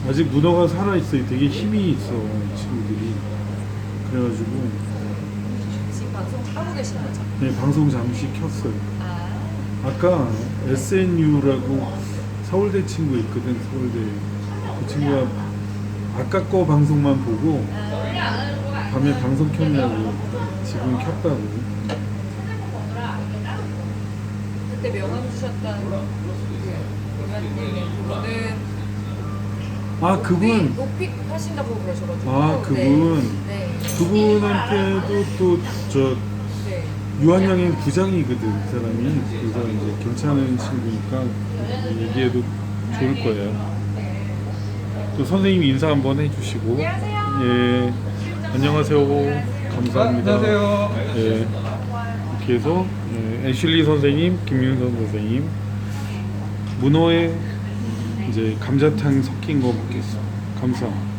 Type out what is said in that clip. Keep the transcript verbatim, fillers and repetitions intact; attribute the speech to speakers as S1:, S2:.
S1: 아직 문어가 살아있어요. 되게 힘이 있어, 이 친구들이. 그래가지고
S2: 지금 방송 하고 계신 거죠?
S1: 네, 방송 잠시 켰어요.
S2: 아,
S1: 아까 에스엔유라고 서울대 친구 있거든. 서울대 그 친구가 아까 거 방송만 보고 밤에 방송 켰냐고 지금 켰다고.
S2: 그때 명함 주셨던 그 의원님의 그분은
S1: 아 그분
S2: 높이 하신다고 그러셔가지고.
S1: 아 그분
S2: 네.
S1: 그분한테도 또 저
S2: 네.
S1: 유한양의 부장이거든 그 사람이. 그래서 이제 괜찮은 친구니까 얘기해도 좋을 거예요. 또 선생님 인사 한번 해주시고.
S2: 안녕하세요.
S1: 예, 안녕하세요. 감사합니다.
S3: 안녕하세요.
S1: 예, 이렇게 해서 예, 애슐리 선생님, 김윤선 선생님 문어에 이제 감자탕 섞인 거 먹겠어. 감사.